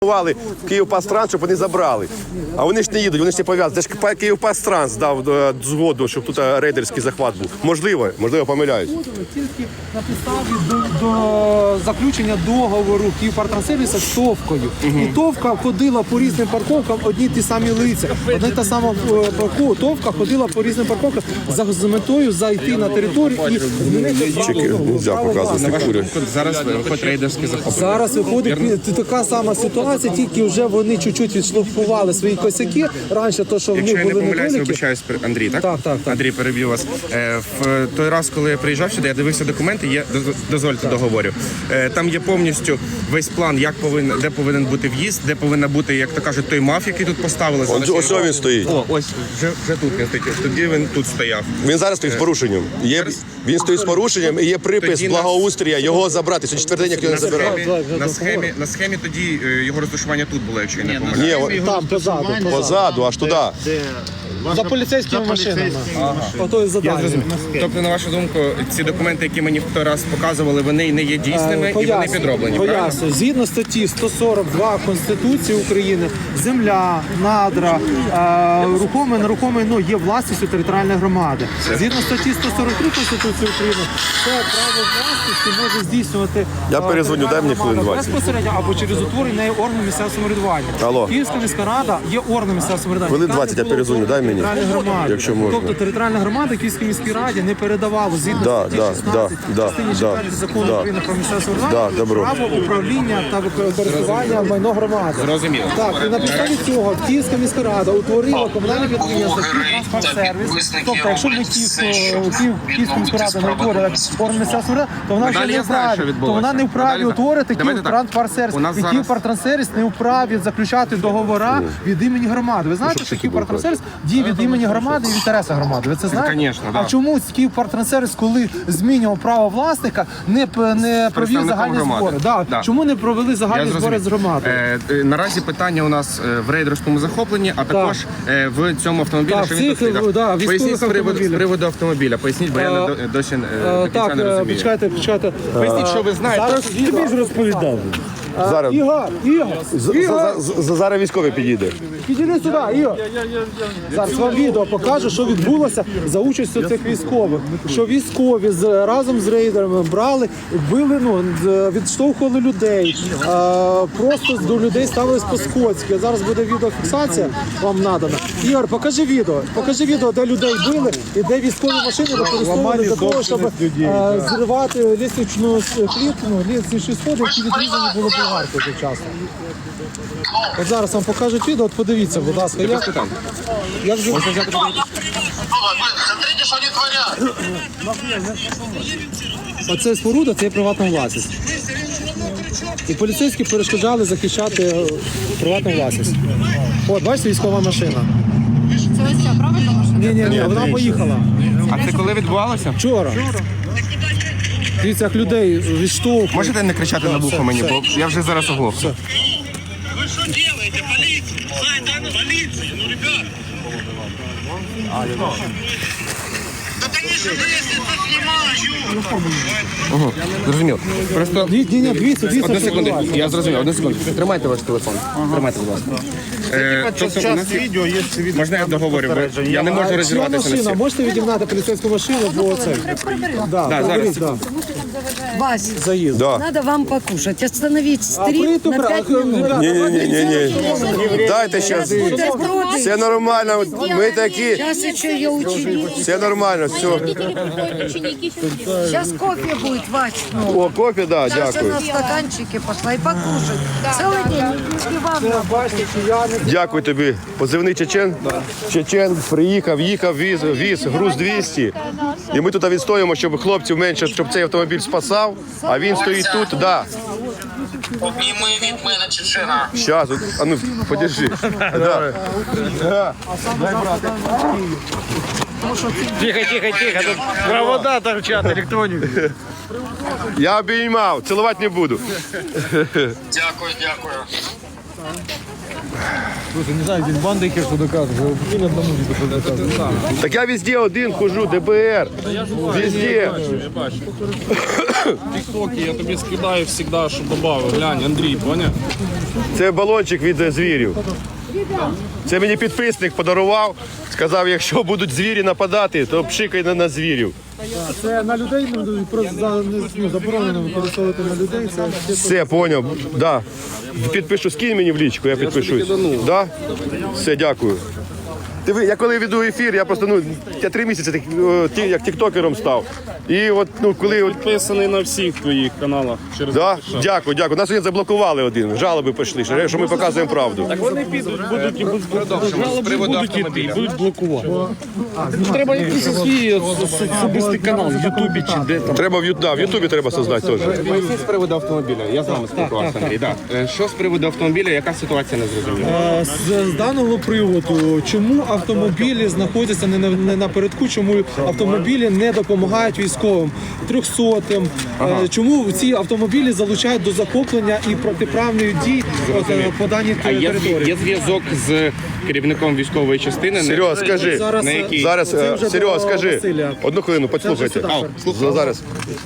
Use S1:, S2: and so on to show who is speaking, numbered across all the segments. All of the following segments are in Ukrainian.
S1: Київпастранс, щоб вони забрали. А вони ж не їдуть, вони ж не пов'язані. Це ж Київпастранс дав згоду, щоб тут рейдерський захват був. Можливо, помиляюсь.
S2: Тільки на підставі до заключення договору Київпартрансервіса з Товкою. І Товка ходила по різним парковкам, одні ті самі лиця. Одна та сама Товка ходила по різним парковкам з метою зайти на територію і змінити право.
S3: Зараз виходить рейдерський захоплення.
S2: Зараз виходить така сама ситуація, тільки вже вони чуть-чуть відшліфували свої косяки. Раніше то, що в
S3: Якщо
S2: них
S3: я не
S2: були
S3: помиляюсь,
S2: недоліки.
S3: вибачаюсь, Андрій, так?
S2: Так.
S3: Андрій, переб'ю вас. В той раз, коли я приїжджав сюди, я дивився документи, дозвольте договорю. Там є повністю весь план, де повинен бути в'їзд, де повинна бути, як то кажуть, той маф, який тут поставили.
S1: Ось він стоїть.
S3: О, ось, вже тут він стоїть. Тоді він тут стояв.
S1: Він зараз стоїть з порушенням. Він стоїть з порушенням і є припис благоустрія його забрати. Це четвертий день, як його не забирали.
S3: На схемі тоді його розташування тут було, якщо я не помиляюсь.
S1: Ні,
S2: Там,
S1: позаду, аж туди.
S2: За поліцейськими машинами. Ото і задання.
S3: Тобто, на вашу думку, ці документи, які мені в той раз показували, вони не є дійсними і вони підроблені, правильно?
S2: Поясню. Згідно статті 142 Конституції України, земля, надра, рухоме, нерухоме є власністю територіальної громади. Згідно статті 143 Конституції України, це право власності може здійснювати
S1: Я перезвоню, дай мені хвилин 20.
S2: безпосередньо або через утворення нею органу місцевого самоврядування.
S1: Алло.
S2: Київська міська рада є органом місцевого самоврядування.
S1: Хвилин 20, я перезвоню, дай мені. Якщо можна.
S2: Тобто територіальна громада Київській міській раді не передавала згідно статті 16 частині 4 закону України про місцеве самоврядування право управління та користування майно громади.
S3: Зрозуміло.
S2: Так, і на підставі цього Київська міська рада утворила комунальне підприємство «Київтранспортсервіс». Тобто, якщо ми Київська міська рада не утворила орган місцевого самоврядування, то вона вже не вправі. То вона не вправі утворити «Київтранспортсервіс». І «Київтранспортсервіс» не вправі заключати договора від імені громади. Ви знаєте, що «Київтранспортсервіс» діє від імені громади і в інтересах громади. Ви це знаєте?
S3: Конечно, да.
S2: А чому «Київтранспортсервіс», коли змінював право власника, не провів загальні збори?
S3: Да.
S2: Чому не провели загальні збори з громадою?
S3: Наразі питання у нас в рейдерському захопленні, а також в цьому автомобілі, що він тут стоїть. Поясніть з приводу автомобіля. Поясніть, бо я досі до кінця не розумію.
S2: Почекайте.
S3: Поясніть, що ви знаєте.
S2: Тобі ж розповідав.
S1: Зараз.
S2: Ігор!
S1: Зараз військовий підійде.
S2: Підійди сюди, Ігор. Зараз вам відео покажу, що відбулося за участю цих військових. Що військові разом з рейдерами брали, били, відштовхували людей. Просто до людей ставились по-скотськи. Зараз буде відеофіксація, вам надана. Ігор, покажи відео, де людей били і де військові машини використовували для того, щоб зривати лісничну клітку, лісничні сходи, які відрізані були болгаркою завчасно. От зараз вам покажуть відео, от подивіться, будь ласка.
S3: Без питань.
S2: Я вже...
S4: Смотрите, что они творят.
S2: Оце споруда, це є приватна власність. І поліцейські перешкоджали захищати приватну власність. От, бачите, військова машина.
S5: Це ось ця, правильно машина?
S2: Ні, вона поїхала.
S3: А це коли відбувалося?
S2: Вчора. Дивіться, як людей відштовхують.
S3: Можете не кричати на вухо мені, бо я вже зараз оглохну.
S4: Вы что делаете, полиция? Полиция, ну, ребят. Да, конечно, вы если снимаю.
S3: Зрозуміло. Просто
S2: Ні, дивіться,
S3: одну
S2: що
S3: секунду,
S2: відбувається.
S3: я зрозумів, одну секунду. Тримайте ваш телефон. Тримайте, будь ласка. Тобто у нас є... Можна я договорю? Я не можу
S2: Чия
S3: розірватися на
S2: машина?
S3: всіх.
S2: Можете відігнати поліцейську машину, бо це... Да,
S3: зараз.
S2: да.
S6: Вась,
S2: Заїзд.
S1: Да.
S6: надо вам покушать. Остановить стрим
S2: А
S6: на 5 минут.
S1: Ні. Дайте зараз.
S6: Бутерброды.
S1: Все нормально. Ми такі.
S6: Сейчас еще ее ученик.
S1: Все нормально, все.
S6: Сейчас кофе будет, Вась.
S1: О, кофе, да,
S6: Сейчас
S1: дякую.
S6: на стаканчике пошла и покушать. Целый день. И вам
S2: Бачите, кияни.
S1: Дякую тобі. Позивний Чечен. Чечен приїхав, їхав, віз груз 200. І ми тут відстоїмо, щоб хлопців менше, щоб цей автомобіль спасав, а він стоїть тут, да.
S4: Обніми від мене Чечена.
S1: Щас, а ну, подержи. Да.
S7: Тихо, тут провода торчат, электроника.
S1: Я обіймав, цілувати не буду.
S4: Дякую.
S2: Слушай, не знаю, здесь бандики что доказывают. Один одному не доказывают.
S1: Так я везде один хожу, ДБР. Везде.
S8: В ТикТоке я тобі скидаю завжди, щоб додав. Глянь, Андрій, поняв?
S1: Це балончик від звірів. Це мені підписник подарував. Сказав, якщо будуть звірі нападати, то пшикай на звірів.
S2: Це на людей просто заборонено використовувати на людей. Це
S1: Все, поняв. Да. Підпишу, скинь мені в лічку, я підпишусь. Да? Все, дякую. Диви, я коли веду ефір, я просто, я 3 місяці як тіктокером став. І от, коли...
S8: Підписаний на всіх твоїх каналах. Через
S1: Да? Дякую, дякую. Нас сьогодні заблокували один. Жалоби пішли, що ми показуємо правду.
S8: Так вони підуть, будуть і будуть іти, будуть блокувати. Треба якийсь свій особистий канал в Ютубі чи де там.
S1: Треба в Ютубі треба создати теж.
S3: З приводу автомобіля. Я з вами спілкувався, Андрій. Да. Що з приводу автомобіля, яка ситуація не зрозуміла?
S2: з даного приводу, чому автомобілі знаходяться не напередку, чому автомобілі не допомагають військовим, 300-м, чому ці автомобілі залучають до захоплення і протиправної дії по даній
S3: А
S2: території?
S3: є зв'язок з керівником військової частини?
S1: Серега, скажи.
S2: Зараз,
S3: На якій?
S1: Зараз,
S2: це вже
S1: Серега,
S2: до
S1: скажи.
S2: Василя.
S1: Одну хвилину, послухайте. Зараз.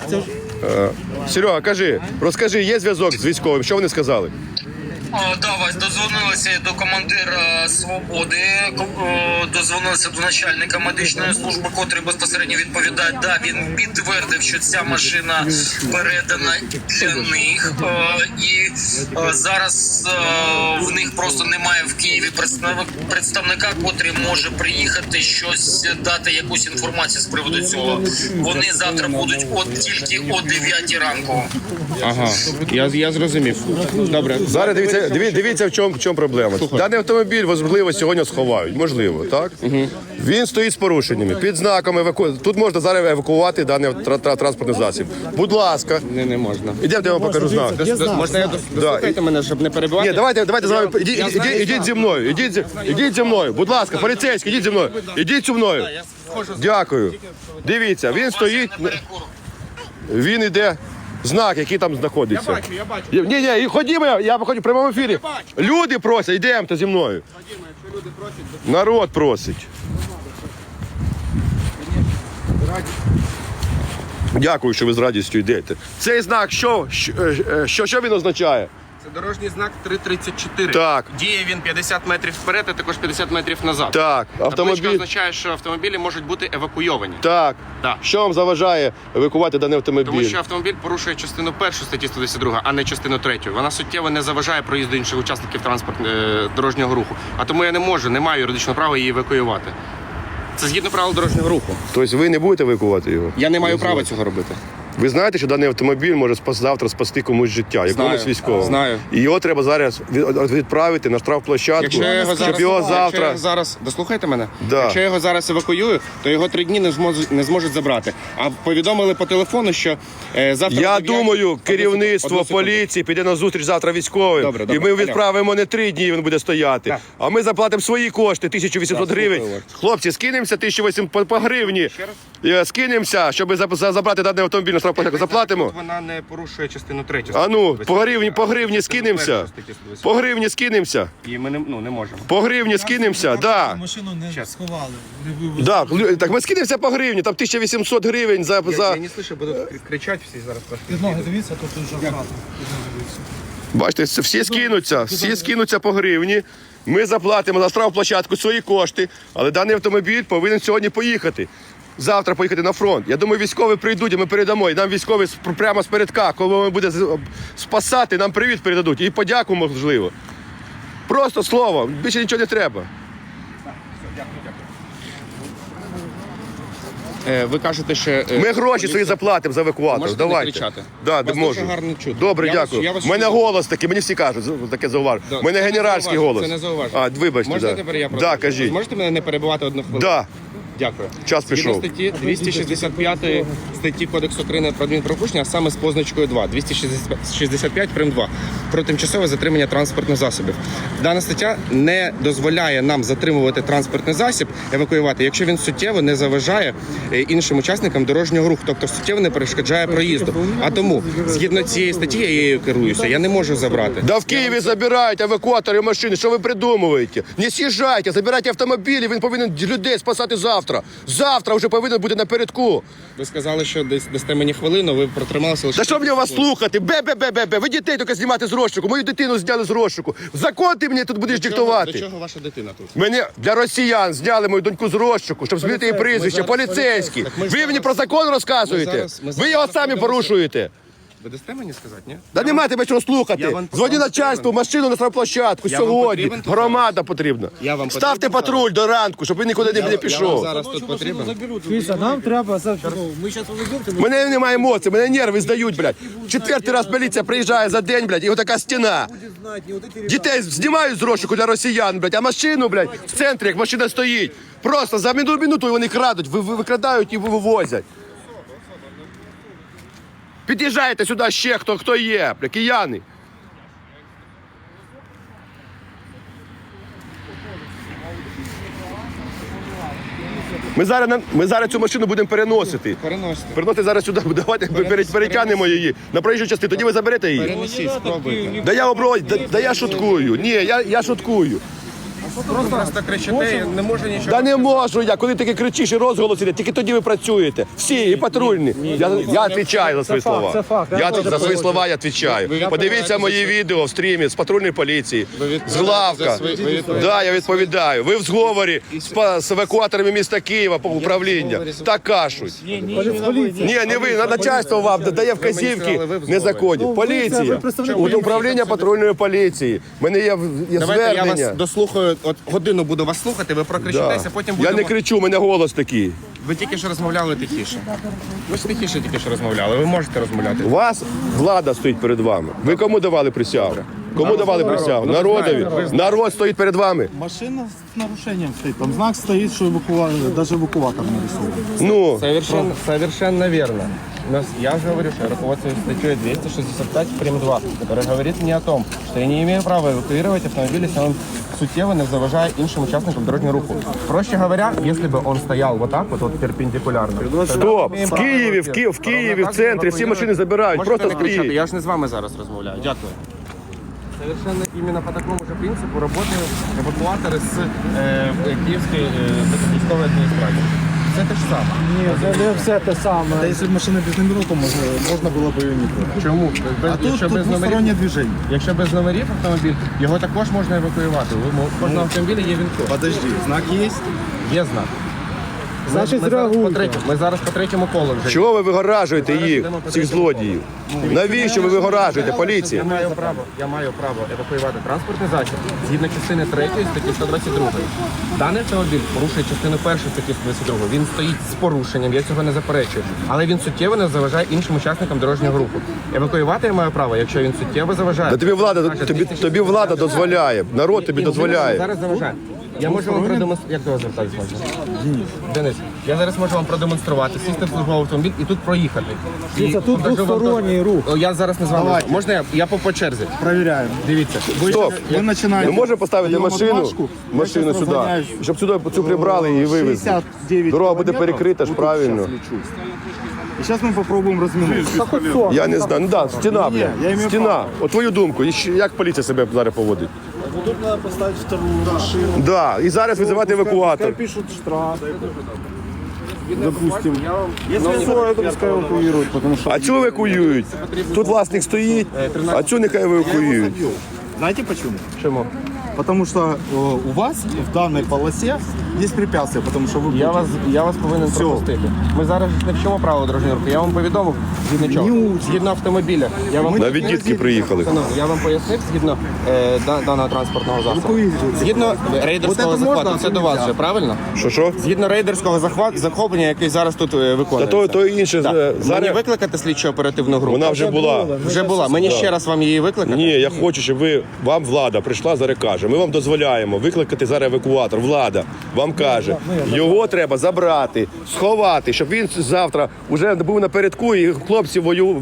S1: Серега, кажи, розкажи, є зв'язок з військовим? Що вони сказали?
S4: Да, Вась, дозвонилися до командира «Свободи», дозвонилися до начальника медичної служби, котрий безпосередньо відповідає. Да, він підтвердив, що ця машина передана для них. І зараз в них просто немає в Києві представника, котрий може приїхати, щось дати, якусь інформацію з приводу цього. Вони завтра будуть тільки о 9 ранку.
S3: Ага, я зрозумів. Добре.
S1: Зараз дивіться, в чому проблема. Даний автомобіль, можливо, сьогодні сховають. Можливо, так? Він стоїть з порушеннями, під знаком евакуації. Тут можна зараз евакуувати даний транспортний засіб. Будь ласка.
S3: Не можна.
S1: Ідемте, я вам покажу знак.
S3: Можна я дослухайте мене, щоб не перебивати?
S1: Ні, давайте з вами. Ідіть зі мною. Ідіть зі мною. Будь ласка, поліцейський, ідіть зі мною. Ідіть зі мною. Дякую. Дивіться, він стоїть. Він іде. Знак, який там знаходиться.
S3: Я бачу.
S1: Ні, ходімо, я виходжу в прямому ефірі. Люди просять, йдемо зі мною. Народ просить. Дякую, що ви з радістю йдете. Цей знак, що він означає?
S3: Це дорожній знак 334.
S1: Так.
S3: Діє він 50 метрів вперед, а також 50 метрів назад.
S1: Так,
S3: Табличка
S1: автомобіль.
S3: означає, що автомобілі можуть бути евакуйовані.
S1: Так.
S3: Так.
S1: Що вам заважає евакувати даний автомобіль?
S3: Тому що автомобіль порушує частину 1 статті 122, а не частину 3. Вона суттєво не заважає проїзду інших учасників дорожнього руху. А тому я не маю юридичного права її евакуювати. Це згідно правил дорожнього руху.
S1: Тобто ви не будете евакувати його?
S3: Я не маю права цього робити.
S1: Ви знаєте, що даний автомобіль може завтра спасти комусь життя, якомусь військовому?
S3: Знаю.
S1: І його треба зараз відправити на штрафплощадку,
S3: Якщо я його
S1: щоб його завтра...
S3: дослухайте мене.
S1: Да.
S3: Якщо я його зараз евакуюю, то його 3 дні не зможуть забрати. А повідомили по телефону, що завтра...
S1: Я думаю, керівництво поліції піде на зустріч завтра військовим,
S3: Добре,
S1: і ми відправимо не 3 дні, він буде стояти,
S3: Так.
S1: а ми заплатимо свої кошти, 1800 гривень.
S3: слухаю вас.
S1: Хлопці, скинемося 1800 по гривні, скинемося, щоб забрати даний автомобіль на штрафплощадку. Заплатимо?
S3: Вона не порушує частину 3.
S1: А ну, по гривні скинемося. По гривні скинемося.
S3: І ми не можемо.
S1: По гривні скинемося, да.
S2: Машину не сховали.
S1: Да, так ми скинемося по гривні, там 1800 гривень за...
S3: Я не слышу, будуть кричати всі зараз.
S2: Ноги дивіться, тут вже аккуратно.
S1: Бачите, всі скинуться по гривні. Ми заплатимо за штрафплощадку свої кошти, але даний автомобіль повинен сьогодні поїхати. Завтра поїхати на фронт. Я думаю, військові прийдуть, і ми передамо. І нам військові прямо з передка, коли він буде спасати, нам привіт передадуть. І подяку, можливо. Просто слово, більше нічого не треба.
S3: Ви кажете, що...
S1: Ми гроші свої заплатимо за евакуатор.
S3: Можете не
S1: Давайте.
S3: кричати?
S1: Да,
S3: Вас
S1: можу.
S3: дуже гарно чути.
S1: Добре,
S3: Я вас-
S1: дякую.
S3: я вас
S1: У мене
S3: чую.
S1: голос такий, мені всі кажуть, таке зауваження.
S3: Да,
S1: У мене
S3: це не
S1: генеральський
S3: зауваження,
S1: голос.
S3: це не зауваження.
S1: А, вибачте,
S3: Можна
S1: да.
S3: тепер я
S1: Да, кажіть.
S3: Можете мене не перебивати одну хвилину?
S1: Да.
S3: Дякую.
S1: Час
S3: Згідно
S1: пішов.
S3: статті 265 статті Кодексу України про адмінправопорушення, а саме з позначкою 2. 265 прим. 2. про тимчасове затримання транспортних засобів. Дана стаття не дозволяє нам затримувати транспортний засіб, евакуювати, якщо він суттєво не заважає іншим учасникам дорожнього руху, тобто суттєво не перешкоджає проїзду. А тому, згідно цієї статті, я її керуюся, я не можу забрати.
S1: Да в Києві забирають евакуатори машини, що ви придумуєте? Не з'їжджайте, забирайте автомобілі, він повинен людей спасати завтра. Завтра вже повинен бути напередку.
S3: Ви сказали, що дасте мені хвилину, ви протрималися лише...
S1: Та що мені вас слухати? Бе-бе-бе-бе-бе. Ви дітей тільки знімати з розшуку. Мою дитину зняли з розшуку. Закон ти мені тут будеш
S3: До
S1: диктувати.
S3: чого ваша дитина тут?
S1: Мене для росіян зняли мою доньку з розшуку, щоб змінити її прізвище. Поліцейські. Ви мені про закон розказуєте? Ви його самі порушуєте.
S3: Ви дасте мені сказати, ні?
S1: Та нема тебе чого
S3: Я
S1: слухати.
S3: вам
S1: Дзвоні начальству, машину на штрафплощадку
S3: Я вам
S1: сьогодні.
S3: потрібен тут?
S1: Громада потрібна.
S3: Я вам
S1: Ставте
S3: потрібен
S1: патруль до ранку, щоб він нікуди не
S3: Я вам
S1: пішов.
S3: зараз тут потрібен.
S2: Дивіться, нам треба
S1: Мене немає емоцій, мене нерви здають, блядь. Четвертий раз поліція приїжджає за день, блядь, і отака стіна. Дітей знімають з розшуку для росіян, блядь, а машину, блядь, в центрі, як машина стоїть. Просто за минуту вони крадуть, викрадають і вивозять. Під'їжджайте сюди ще, хто є, бля, кияни. Ми зараз цю машину будемо переносити.
S3: Переносите.
S1: Переносити зараз сюди, давайте перетягнемо її на проїжджу частину, тоді ви заберете її.
S3: Перенесіть, спробуйте.
S1: Да я шуткую. Ні, я шуткую.
S3: Просто кричите, не можу нічого.
S1: Да не можу я, коли таки кричиш і розголос іде, тільки тоді ви працюєте. Всі, і патрульні. Я відповідаю за свої слова.
S2: це факт.
S1: За свої слова я відповідаю. Подивіться мої відео в стрімі з патрульної поліції, з главка. Да, я відповідаю. Ви в зговорі з евакуаторами міста Києва по управління. Так кажуть. Ні, не ви, начальство вам дає вказівки незаконні. Поліція, управління патрульної поліції. У мене є
S3: Давайте я вас
S1: звернення.
S3: дослухаю, от годину буду вас слухати, ви прокричитеся, потім
S1: Я
S3: будемо...
S1: не кричу, у мене голос такий.
S3: Ви тільки що розмовляли тихіше. Ви ж тихіше тільки що розмовляли, ви можете розмовляти.
S1: У вас влада стоїть перед вами. Ви кому давали присягу? Кому давали присягу? Народові. Народ стоїть перед вами.
S9: Машина с нарушением стоит. Там знак стоит, что даже эвакуатор нарисован.
S1: Ну,
S3: Совершенно верно. Я уже говорю, что я руководствуюсь статьей 265 прим. 2, которая говорит мне о том, что я не имею права эвакуировать автомобиль, если он сутьево не заважает іншим участникам дорожнього руху. Проще говоря, если бы он стоял вот так вот перпендикулярно.
S1: стоп. В Києві, в центрі всі машини забирають.
S3: Можете
S1: Просто
S3: не кричати,
S1: стоїть.
S3: я ж не з вами зараз розмовляю. Дякую. Совершенно именно по такому же принципу работают эвакуаторы с Киевской військової адміністрації. Це те ж саме.
S2: Ні, це не все те саме.
S9: Да если бы машина без номеров, то можно было бы ее не брать.
S3: Чому?
S9: А тут двустороннее движение.
S3: Якщо без номерів автомобіль, його також можна евакуювати. У кожного автомобіля є він.
S9: Подожди, знак есть?
S3: Є знак.
S2: Значить,
S3: Ми зараз
S2: зреагуйте.
S3: ми зараз по третьому колу вже.
S1: Чого ви вигоражуєте їх, цих злодіїв? Навіщо ви вигоражуєте, поліція?
S3: Я маю право евакуювати транспортний засіб згідно частини 3 статті 122. Даний автомобіль порушує частину 1 статті 122. Він стоїть з порушенням, я цього не заперечую. Але він суттєво не заважає іншим учасникам дорожнього руху. Евакуювати я маю право, якщо він суттєво заважає.
S1: Да тобі влада дозволяє, народ тобі дозволяє.
S3: Зараз заважає. Я можу вам продемонструвати. Як до вас звертатись можна? Денис, я зараз можу вам продемонструвати, сісти в службовий автомобіль і тут проїхати.
S2: Дивіться, тут
S3: покажу вам
S2: двосторонній рух.
S3: О, я зараз не з вами. Можна я по черзі?
S9: Проверяем.
S3: Дивіться.
S1: Стоп.
S9: Вы начинаете.
S1: Ми можемо поставити
S9: прием
S1: машину
S9: отмашку. Я
S1: сюди,
S9: щас разгоняюсь.
S1: щоб сюди цю прибрали і вивезли.
S9: 69
S1: Дорога буде
S9: километров.
S1: перекрита ж,
S9: Вот тут
S1: правильно.
S9: щас лечу. И сейчас мы попробуем разминуться.
S2: Та хоч сон.
S1: Я не знаю, ну да, стіна,
S9: Ні, я
S1: бля,
S9: імею
S1: стіна.
S9: право.
S1: От твою думку, як поліція себе зараз поводить?
S9: Тут надо поставить вторую машину.
S1: Да, і зараз визивати евакуатор.
S9: Пишут штраф. Допустим. Если что, это пускай эвакуируют, потому что...
S1: А цю евакуюють? Тут власник стоїть, а цю нехай евакуюють.
S9: Знаете почему?
S3: Чому?
S9: Потому что у вас в данной полосе есть препятствия, потому что вы...
S3: Я вас повинен
S9: Всьо.
S3: пропустити. Ми зараз не вчимо правила дорожнього руху. Я вам повідомив згідно чого? Згідно автомобіля. Я вам
S1: Навіть дітки приїхали.
S3: Я вам пояснив згідно даного транспортного засобу. Згідно рейдерського
S9: Вот это можна
S3: захвату. Це до вас вже, правильно?
S1: Що?
S3: Згідно рейдерського захоплення, який зараз тут виконується.
S1: То інше,
S3: Мені
S1: зараз
S3: викликати слідчо оперативну групу?
S1: вона вже була.
S3: Вже була. Мені ще раз вам її викликати?
S1: Ні, я хочу, щоб ви вам влада прийшла, зараз каже, ми вам дозволяємо викликати зараз евакуатор. Влада вам каже, його треба забрати, сховати, щоб він завтра вже був напередку і хлопців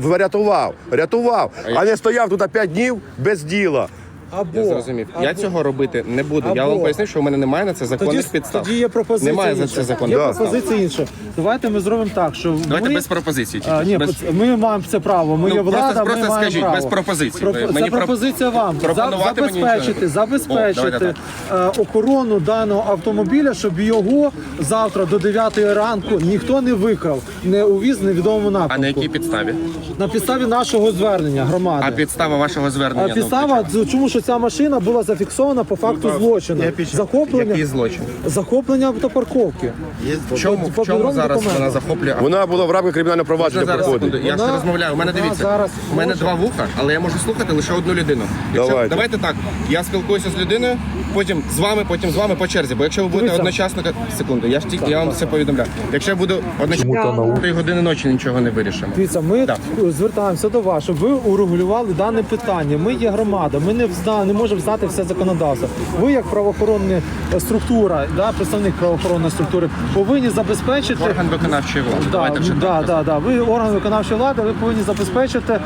S1: рятував, а не стояв тут 5 днів без діла.
S2: Або,
S3: Я зрозумів. Я цього робити не буду. Я вам пояснив, що у мене немає на це законних підстав.
S2: Тоді є пропозиція
S3: Немає за
S2: інша.
S3: це законних
S2: Є
S3: підстав.
S2: пропозиція інша. Давайте ми зробимо так, що
S3: Давайте
S2: ми...
S3: без пропозицій.
S2: Ні,
S3: Без...
S2: ми маємо це право. Ми
S3: Ну,
S2: є влада,
S3: просто
S2: ми маємо
S3: скажіть,
S2: право.
S3: без пропозицій.
S2: Це
S3: Мені
S2: пропозиція вам.
S3: пропонувати мені нічого не
S2: Забезпечити охорону даного автомобіля, щоб його завтра до 9 ранку ніхто не викрав, не увіз в невідомому напрямку.
S3: А на якій підставі?
S2: На підставі нашого звернення громади.
S3: А підстава вашого звернення?
S2: Підстава, чому що ця машина була зафіксована по факту злочину.
S3: Який злочин?
S2: Захоплення автопарковки.
S3: В чому зараз вона захоплює?
S1: Вона була в рамках кримінального провадження
S3: Зараз,
S1: проходить.
S3: секунду, я ж розмовляю. У мене
S2: вона
S3: дивіться,
S2: зараз
S3: у мене
S2: може-
S3: 2 вуха, але я можу слухати лише одну людину.
S1: Давайте.
S3: Давайте так, я спілкуюся з людиною, потім з вами по черзі. Бо якщо ви будете
S2: Дивіться.
S3: одночасно... Секунду, я вам все повідомляю. Якщо я буду одночасно 3 години ночі, нічого не вирішимо.
S2: Дивіться, ми
S3: Так.
S2: звертаємося до вас, щоб ви урегулювали дане питання. Ми є громада, ми не можемо знати все законодавство. Ви, як правоохоронна структура, представник правоохоронної структури, повинні забезпечити.
S3: Орган виконавчої влади. Давайте вже так.
S2: Ви орган виконавчої влади, ви повинні забезпечити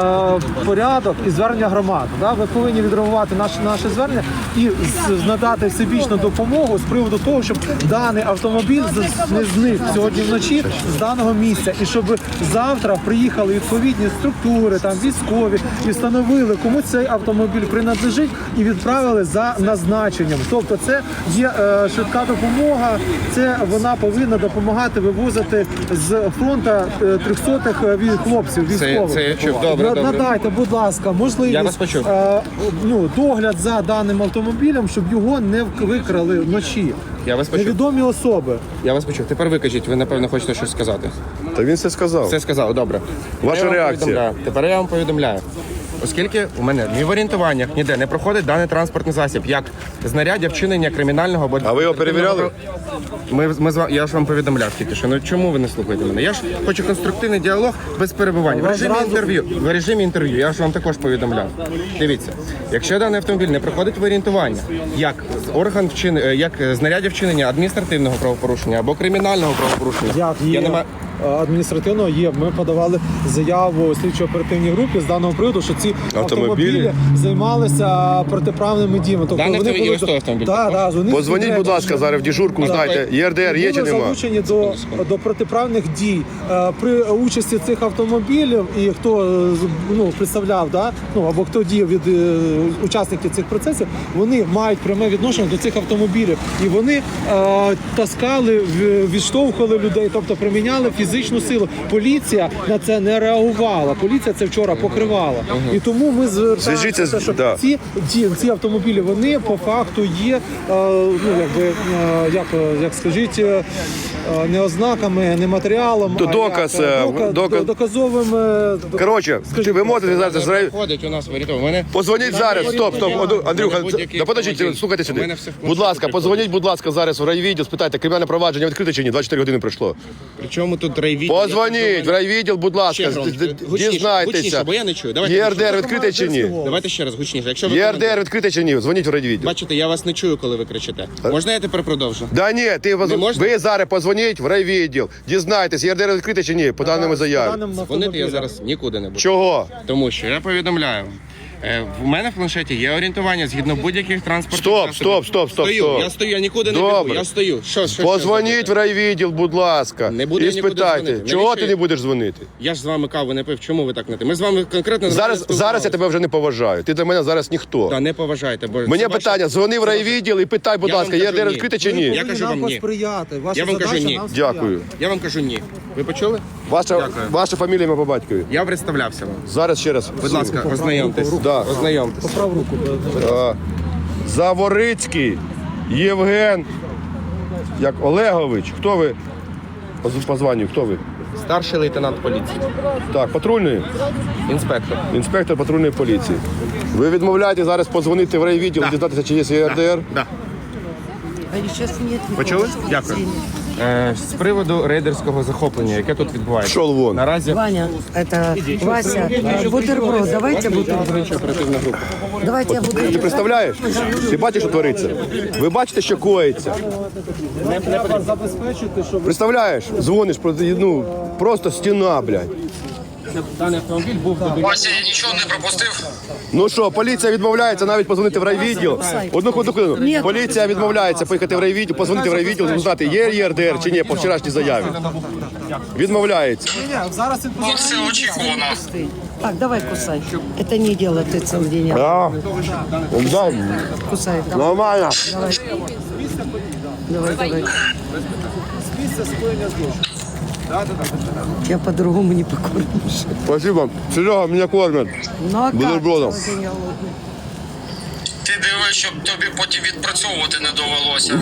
S2: порядок і звернення громад. Ви повинні відреагувати наше звернення і надати всебічну допомогу з приводу того, щоб даний автомобіль не зник сьогодні вночі з даного місця, і щоб завтра приїхали відповідні структури, там військові, і встановили, кому цей автомобіль принадлежить, і відправили за назначенням. Тобто це є швидка допомога, це вона повинна допомагати вивозити з фронту 300-х хлопців військових.
S3: Це я чув. Добре.
S2: Надайте, будь ласка, можливість
S3: Я вас почув.
S2: догляд за даним автомобілем, щоб його не викрали вночі.
S3: Я вас почув.
S2: Невідомі особи.
S3: Я вас почув. Тепер ви кажіть, ви напевно хочете щось сказати.
S1: Та він все сказав.
S3: Все сказав, добре.
S1: Ваша
S3: Тепер я вам
S1: реакція.
S3: повідомляю. Тепер я вам повідомляю. Оскільки у мене ні в орієнтуваннях ніде не проходить даний транспортний засіб, як знаряддя вчинення кримінального або
S1: А ви його перевіряли?
S3: Я ж вам повідомляв тільки що. Ну чому ви не слухаєте мене? Я ж хочу конструктивний діалог без перебувань. В режимі інтерв'ю. Я ж вам також повідомляв. Дивіться, якщо даний автомобіль не проходить в орієнтування, як як знаряддя вчинення адміністративного правопорушення або кримінального правопорушення,
S2: Як
S3: я не
S2: є
S3: маю.
S2: адміністративного є. Ми подавали заяву слідчо-оперативній групі з даного приводу, що ці автомобілі займалися протиправними діями. Тобто
S3: Даний
S2: вони були...
S3: ось той автомобіль.
S1: Позвоніть, будь ласка, зараз в дежурку, знайте, ЄРДР є чи
S2: були
S1: нема?
S2: залучені до протиправних дій. При участі цих автомобілів і хто представляв, або хто діяв від учасників цих процесів, вони мають пряме відношення до цих автомобілів. І вони таскали, відштовхували людей, тобто приміняли фізичну силу. Поліція на це не реагувала. Поліція це вчора покривала. І тому ми
S1: Зв'яжіться
S2: звертаємося,
S1: з-
S2: що
S1: да.
S2: ці автомобілі, вони по факту є, як скажіть, не ознаками, не матеріалом,
S1: То доказ, доказ.
S2: доказовим.
S1: Коротше, ви можете зараз...
S3: Проходить у нас в орієнтуванні.
S1: Позвоніть зараз, стоп, Андрюха,
S3: будь-який
S1: да подождіть,
S3: автомобіль.
S1: слухайте
S3: У
S1: сюди.
S3: мене все в
S1: Будь ласка,
S3: конструкторі
S1: позвоніть, будь ласка, зараз в райвідділ, спитайте, кримінальне провадження відкрите чи ні? 24 години пройшло.
S3: Причому тут райвідділ?
S1: Позвоніть в райвідділ, будь ласка,
S3: Гучніше,
S1: дізнайтеся.
S3: бо я не чую. Давайте
S1: ЄРДР відкрите чи ні?
S3: Давайте ще раз гучніше. Якщо ви
S1: ЄРДР відкрите чи ні? Дзвоніть в райвідділ.
S3: бачите, я вас не чую, коли ви кричите. Можна я тепер продовжу?
S1: Да ні,
S3: можна?
S1: ви зараз позвоніть в райвідділ, дізнайтесь, ЄРДР відкрите чи ні, по даному заяві.
S3: Дзвонити я зараз нікуди не буду.
S1: Чого?
S3: Тому що я повідомляю. В мене в планшеті є орієнтування згідно будь-яких транспортних засобів.
S1: Стоп.
S3: Стою, я стою, я нікуди не біжу,
S1: Добре.
S3: я стою. Що
S1: Позвоніть в райвідділ, будь ласка,
S3: Не буду
S1: і
S3: я нікуди
S1: спитайте,
S3: дзвонити.
S1: чого
S3: Навіщо
S1: ти не
S3: я-
S1: будеш дзвонити?
S3: Я ж з вами каву не пив, чому ви так не те? Ми з вами конкретно
S1: Зараз я тебе вже не поважаю. Ти для мене зараз ніхто.
S3: Та не поважайте, бо
S1: Мені
S3: це ваше-
S1: питання, дзвони в райвідділ і питай, будь
S3: Я вам
S1: ласка,
S3: кажу,
S1: ЄРДР
S3: ні.
S1: відкрите чи ні?
S3: Я кажу вам ні.
S2: посприяти. Ваша
S3: Я вам кажу
S2: задача
S3: ні.
S2: нам сприяти.
S1: Дякую.
S3: Я вам кажу ні. Ви почули?
S1: Ваша фамілія, ім'я по батькові.
S3: Я представлявся вам.
S1: Зараз ще раз.
S3: Будь ласка, ознайомтесь.
S1: Да.
S3: Ознайомтесь.
S2: Поправ руку.
S1: Заворицький Євген Олегович. Хто ви? По званню, хто ви?
S3: Старший лейтенант поліції.
S1: Так, патрульної?
S3: Інспектор.
S1: Інспектор патрульної поліції. Ви відмовляєте зараз подзвонити в райвідділ, дізнатися, чи є ЄРДР?
S3: Да.
S6: А сейчас нет.
S3: Почули? Дякую. З приводу рейдерського захоплення, яке тут відбувається.
S1: Пішов вон.
S3: Наразі
S6: Ваня, это Вася, бутерброд, давайте бутерброд.
S3: оперативна група.
S6: Давайте я
S1: Ти
S6: бутерброд.
S1: представляєш? Ти бачиш, що твориться? Ви бачите, що коїться?
S2: Треба забезпечити, щоб
S1: Представляєш? Дзвониш, ну, просто стіна, блядь.
S3: Даний автомобіль був
S4: Вася, я нічого не пропустив.
S1: Ну що, поліція відмовляється навіть позвонити в райвідділ. Одну хвилину. Поліція відмовляється поїхати в райвідділ, позвонити в райвідділ, узнати, є ЄРДР чи ні, по вчорашній заяві. Відмовляється.
S2: ні, зараз він
S4: Ну, це очікувано.
S6: Так, давай кусай. Это не дело, ты целый день. Кусай. Давай,
S1: Нормально.
S6: давай. Я по-другому не покормишь.
S1: Спасибо. Серега, мене кормять.
S6: Ну а как?
S1: Бутербродом.
S6: Целый день голодный.
S4: Ти дивись, щоб тобі потім відпрацьовувати не довелося.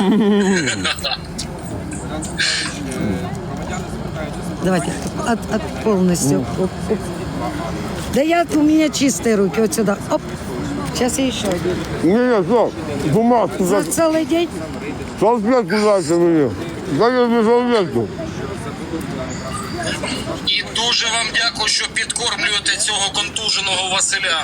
S6: Давайте, полностью. Оп, оп. Да у меня чистые руки, вот сюда. Оп. Сейчас я еще один.
S1: Ні, що? Бумажку
S6: За целый день?
S1: салфетку дайте мені. Дайте мені салфетку.
S4: І дуже вам дякую, що підкормлюєте цього контуженого Василя.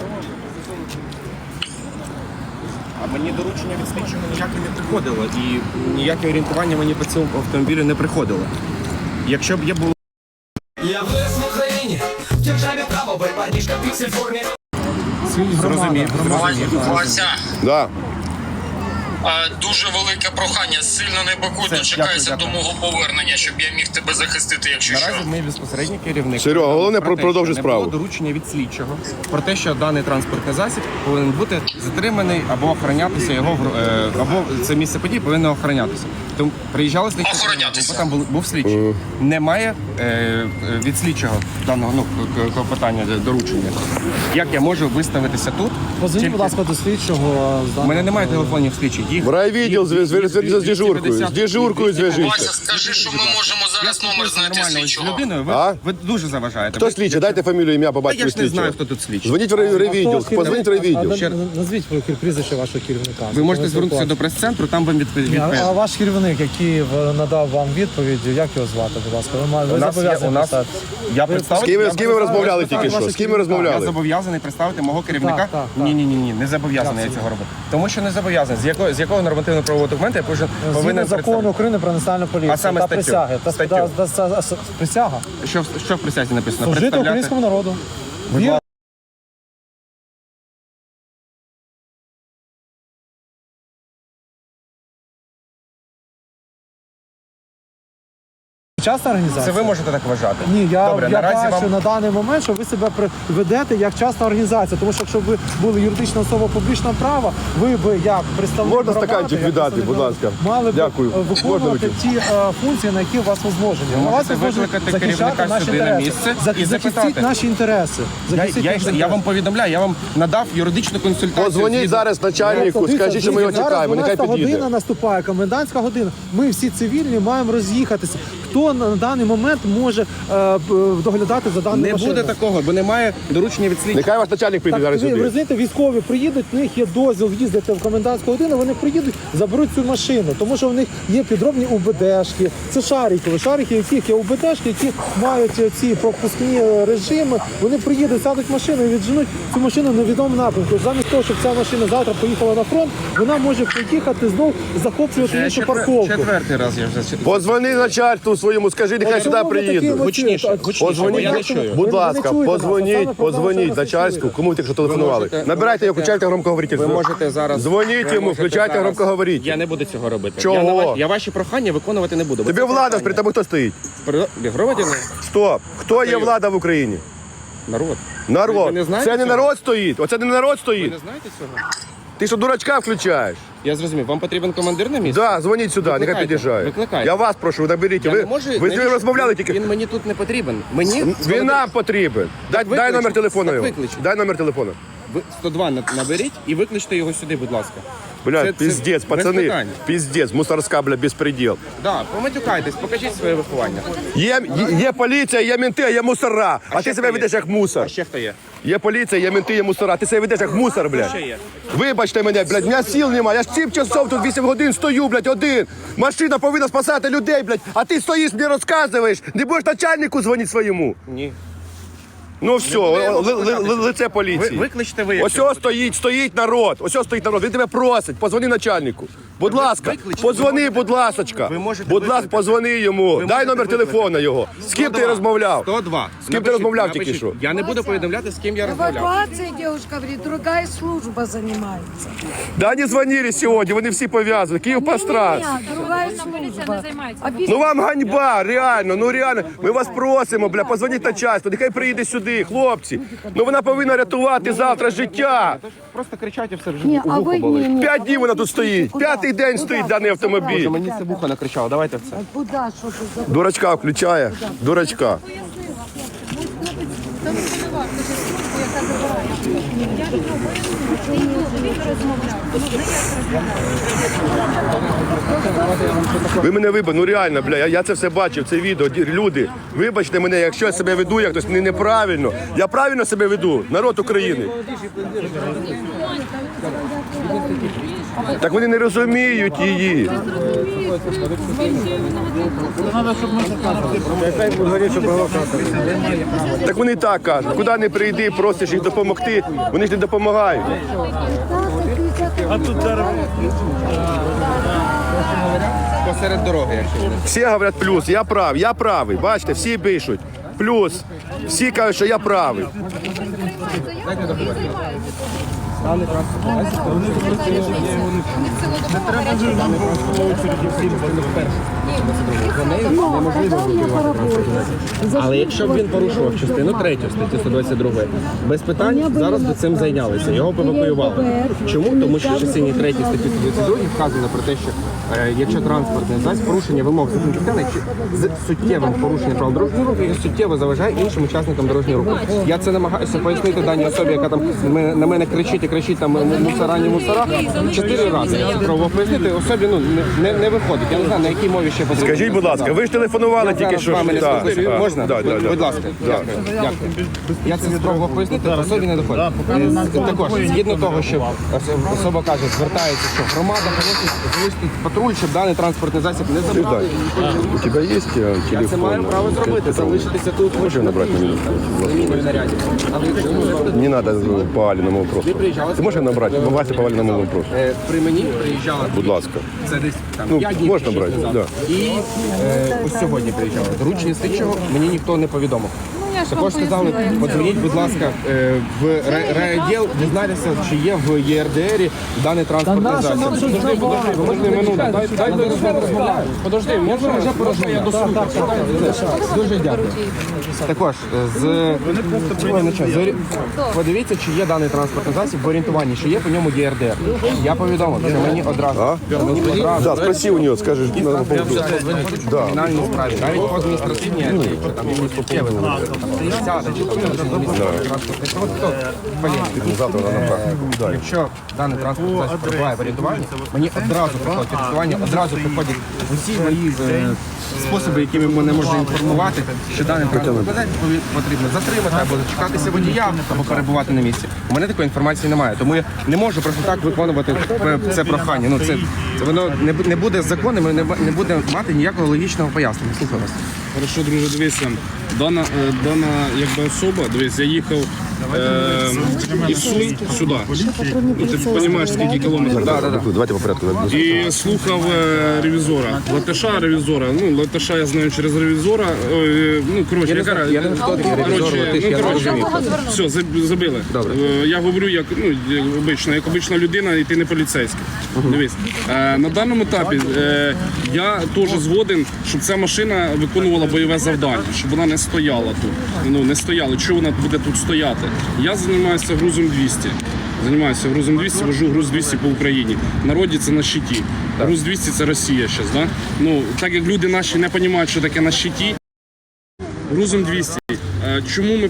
S3: А мені доручення від слідчого ніяке не приходило. І ніяке орієнтування мені по цьому автомобілю не приходило. Якщо б я був
S10: Я вырос в Украине, в державе право, парнишка в пиксель форме.
S3: зрозумів.
S4: Вася,
S1: Да.
S4: дуже велике прохання, сильно не бакуй,
S3: Все,
S4: дочекайся
S3: дякую.
S4: до мого повернення, щоб я міг тебе захистити, якщо що.
S3: Наразі ми безпосередньо керівник.
S1: Серега, головне,
S3: Про те,
S1: продовжуй
S3: що
S1: справу.
S3: Не було доручення від слідчого про те, що даний транспортний засіб повинен бути затриманий або охоронятися його або це місце подій повинно охоронятися. Тому приїжджали слідчі,
S4: Охоронятися.
S3: бо там був слідчий. Немає від слідчого даного клопотання доручення. Як я можу виставитися тут?
S2: Позвоніть, будь ласка, до слідчого.
S3: У мене немає телефонів слідчих. Їх
S1: В райвідділ зв'яжіться з дежуркою. З дежуркою
S4: Вася,
S1: зв'яжіться.
S4: скажи, що ми можемо зараз номер знайти
S3: нормально з
S4: слідчого.
S3: людиною.
S1: А?
S3: Ви дуже заважаєте.
S1: Хто слідчий? Дайте фамілію, ім'я, по
S3: Та
S1: батькові
S3: я ж не знаю,
S1: слідчого.
S3: хто тут слідчий.
S1: Дзвоніть в райвідділ, позвоніть в райвідділ.
S2: Назвіть прізвище вашого керівника.
S3: Ви можете звернутися до прес-центру, там вам відповідь.
S2: А ваш керівник, який надав вам відповідь, як його звати, будь ласка? Ви зобов'язані писати.
S3: Я представити.
S1: З ким ви розмовляли тільки що? З ким ви
S3: Я
S1: розмовляли?
S3: зобов'язаний представити мого керівника.
S2: Так.
S3: Ні, не зобов'язаний я цього робити. Тому що не зобов'язаний. З якого нормативно-правового документу я повинен
S2: Згідно закону
S3: представити?
S2: України про національну поліцію
S3: А саме
S2: та
S3: статтю.
S2: присяги. Присяга.
S3: Що в присязі написано?
S2: Служити українському народу. Вірити частна організація?
S3: Це ви можете так вважати.
S2: Ні, я
S3: Добре,
S2: бачу
S3: вам...
S2: на даний момент, що ви себе ведете як частна організація. Тому що якщо б ви були юридична особа публічного права, ви б як представник
S1: Можна
S2: громади,
S1: стаканчик
S2: як
S1: віддати,
S2: представник
S1: будь ласка?
S2: мали б
S1: Дякую. Можна
S2: виконувати
S1: випити?
S2: ті функції, на які у вас возложені.
S3: Ви
S2: У вас
S3: можете
S2: возложено
S3: викликати
S2: захищати
S3: керівника
S2: наші
S3: сюди на
S2: інтереси.
S3: місце і
S2: Захистіть
S3: запитати.
S2: наші інтереси. Захистіть наші
S3: Я
S2: інтереси.
S3: вам повідомляю, я вам надав юридичну консультацію.
S1: Позвоніть
S3: згідно-
S1: зараз начальнику, скажіть, що ми його чекаємо, нехай
S2: Зараз 12 година
S1: підійде.
S2: наступає, комендантська година. Ми всі цивільні маємо роз'їхатися. Хто на даний момент може доглядати за даною
S3: Не
S2: машиною?
S3: буде такого, бо немає доручення від слідчого.
S1: Нехай ваш начальник прийде зараз
S2: Ви
S1: сюди.
S2: розумієте, військові приїдуть, в них є дозвіл їздити в комендантську годину, вони приїдуть, заберуть цю машину, тому що в них є підробні УБДшки. Це шарики, яких є УБДшки, які мають ці пропускні режими. Вони приїдуть, сядуть в машину і відженуть цю машину в невідомому напрямку. Замість того, щоб ця машина завтра поїхала на фронт, вона може приїхати знов захоплювати іншу парковку.
S3: Четвертий раз я вже...
S1: Позвони начальству своєму, скажи, нехай сюди
S2: Чому ви такі
S1: приїдуть.
S3: Гучніше,
S1: Позвоніть,
S3: я не чую.
S1: будь
S2: Ви
S1: ласка,
S2: не чуєте нас, а саме
S1: позвоніть
S2: проблема,
S1: начальству,
S2: що
S1: кому ви тільки що телефонували.
S3: можете-
S1: Набирайте його, включайте громкоговоритель.
S3: Ви можете зараз...
S1: Дзвоніть
S3: ви
S1: йому,
S3: можете
S1: включайте
S3: зараз-
S1: громкоговоритель.
S3: Я не буду цього робити.
S1: Чого?
S3: Я ваші прохання виконувати не буду. бо
S1: Тобі
S3: це
S1: влада,
S3: прохання.
S1: при тебе хто стоїть?
S3: Громадяни?
S1: Стоп. Хто є влада в Україні?
S3: Народ.
S1: Народ.
S3: Ви не знаєте
S1: Це не
S3: цього?
S1: народ стоїть. Оце не народ
S3: Ви
S1: стоїть.
S3: не знаєте цього?
S1: Ти що, дурачка включаєш?
S3: Я зрозумів. Вам потрібен командир на місці?
S1: Да, дзвоніть сюди, нехай
S3: Викликайте,
S1: під'їжджає.
S3: викликайте.
S1: Я вас прошу, наберіть.
S3: Я
S1: Ви
S3: не можу...
S1: з ним
S3: навіщо?
S1: розмовляли тільки.
S3: Він мені тут не потрібен. Мені...
S1: Він нам потрібен. Дай
S3: викличте,
S1: номер телефону
S3: так
S1: його.
S3: викличте.
S1: Дай номер телефону.
S3: Ви 102 наберіть і викличте його сюди, будь ласка.
S1: Блядь,
S3: Це
S1: пиздец,
S3: без
S1: пацани,
S3: питань.
S1: пиздец, мусорська, блядь, безпреділ.
S3: Да, поматюкайтесь, покажіть своє виховання.
S1: Є поліція, є менти, а є мусора. А
S3: ще
S1: ти себе
S3: хто є?
S1: ведеш як мусор.
S3: А ще хто є?
S1: Є поліція, є менти, є мусора. Ти себе ведеш як мусор, блядь.
S3: Ще є.
S1: Вибачте мене, блядь, у мене сил немає. Я ж 7 часов тут 8 годин стою, блядь, один. Машина повинна спасати людей, блядь. А ти стоїш, мені розказуєш. Не будеш начальнику дзвонити своєму.
S3: Ні.
S1: Ну все, лице поліції.
S3: Викличте ви.
S1: Ось стоїть народ. Ось стоїть народ. Він тебе просить, позвони начальнику. Будь ласка, позвони, будь ласочка.
S3: Ви можете
S1: Будь ласка,
S3: викликати.
S1: позвони йому. Дай
S3: можете
S1: номер телефона його. З ким ти
S3: 102.
S1: розмовляв?
S3: 102.
S1: З ким ти розмовляв тільки
S3: Напишіть.
S1: що?
S3: Я не буду повідомляти, з ким я розмовляв.
S6: Эвакуацией, девушка говорит, другая служба занимается.
S1: Да вони дзвонили сьогодні, вони всі пов'язані. Київ пострас.
S6: Нет, другая служба.
S1: Ну вам ганьба, реально, ну реально. Ми вас просимо, бля, позвоніть начальству, нехай приїде сюди, хлопці. Ну вона повинна рятувати завтра життя.
S3: Просто кричать і все вже
S6: Не,
S3: у
S6: а
S3: вухо
S6: вы
S3: болить.
S6: не.
S1: 5 днів вона тут стоїть. П'ятий день стоїть даний автомобіль.
S3: Мені це вухо накричало, давайте все.
S6: Куда, что ты за...
S1: Дурачка включає. Дурачка. Ви мене вибачте, ну реально, бля, я це все бачив, це відео. Люди, вибачте мене, якщо я себе веду як хтось неправильно. Я правильно себе веду, народ України. Так вони не розуміють її. Так вони так кажуть, куди не прийди, просиш їх допомогти, вони ж не допомагають.
S3: Посеред дороги, якщо.
S1: Всі говорять плюс, я правий, бачите, всі пишуть. Плюс, всі кажуть, що я правий.
S3: Але якщо б він порушував частину 3 статті 122, без питань зараз би цим зайнялися, його б евакуювали. Чому? Тому що в частині 3 статті 122 вказано про те, що якщо транспортний засіб порушення вимог закону частини з суттєвим порушенням правил дорожнього руху, і суттєво заважає іншим учасникам дорожнього руху. Я це намагаюся пояснити даній особі, яка там на мене кричить і кричить там мусора, не мусора. 4 рази я спробував пояснити, особі не виходить. Я не знаю, на якій мові ще потрібно.
S1: Скажіть, будь ласка, ви ж телефонували
S3: Я
S1: тільки
S3: зараз
S1: що.
S3: з вами не
S1: Так,
S3: спілкуюся.
S1: так,
S3: Можна?
S1: да, да, да.
S3: Будь ласка. Дякую. Я це спробував пояснити, особі не доходить. Також, згідно того, що особа каже, звертається, що громада просить залишити патруль, щоб даний транспортний засіб не забрали.
S1: У тебе є телефон?
S3: Я це маю право зробити, залишитися тут.
S1: Можешь набрать на минутку?
S3: наряді. Але якщо ви зробите,
S1: Не надо по Алиному вопросу. Ты можешь набрать? Вася по Алиному вопросу.
S3: при мені приїжджала.
S1: Будь ласка.
S3: Це десь там
S1: Ну,
S3: 5 днів
S1: можна
S3: чи
S1: брати,
S3: шість
S1: да.
S3: назад. І ось сьогодні приїжджали. Доручення слідчого мені ніхто не повідомив. Також сказали, подзвоніть, будь ласка, в райвідділ, дізнайтеся, чи є в ЄРДРі даний транспортний засіб. Подожди минуту, дайте розмовляю. Подожди, я вже порозмовляю, я до суду. Дуже дякую. Також, подивіться, чи є даний транспортний засіб в орієнтуванні, чи є по ньому ЄРДР. Я повідомив, що мені одразу.
S1: Да, спроси у нее, скажи.
S3: В кримінальній справі, навіть по адміністративній, якщо там якісь суттєві, сяде, чи там транспортний провод, то
S1: Завтра на практику.
S3: якщо даний транспортний засіб перебуває в орієнтуванні, мені одразу приходить орієнтування, одразу приходять усі мої способи, якими мене можна інформувати, що даний транспортний засіб потрібно затримати або зачекатися водія, або перебувати на місці. У мене такої інформації немає, тому я не можу просто так виконувати це прохання. Ну, це воно не буде законним, не буде мати ніякого логічного пояснення. Слухаю вас.
S8: Хорошо, друже, дивися. Дана якби особа, дивись, я їхав із Сум сюди. Ну, ти розумієш, скільки кілометрів.
S1: Давайте по порядку.
S8: І слухав ревізора. Латиша. Ну, Латиша я знаю через ревізора. Ну, коротше,
S3: Я не знаю, хто такий ревізор, Латиш, я не розумію.
S8: Все, забили. Я говорю, як обична людина, і ти не поліцейський. Дивись, на даному етапі я теж згоден, щоб ця машина виконувала бойове завдання, щоб вона не стояла тут. Ну, не стояла. Чого вона буде тут стояти? Я займаюся грузом 200. Вожу груз 200 по Україні. В народі це на щиті. Груз 200 це Росія зараз, да? Ну, так як люди наші не розуміють, що таке на щиті, грузом 200. Чому ми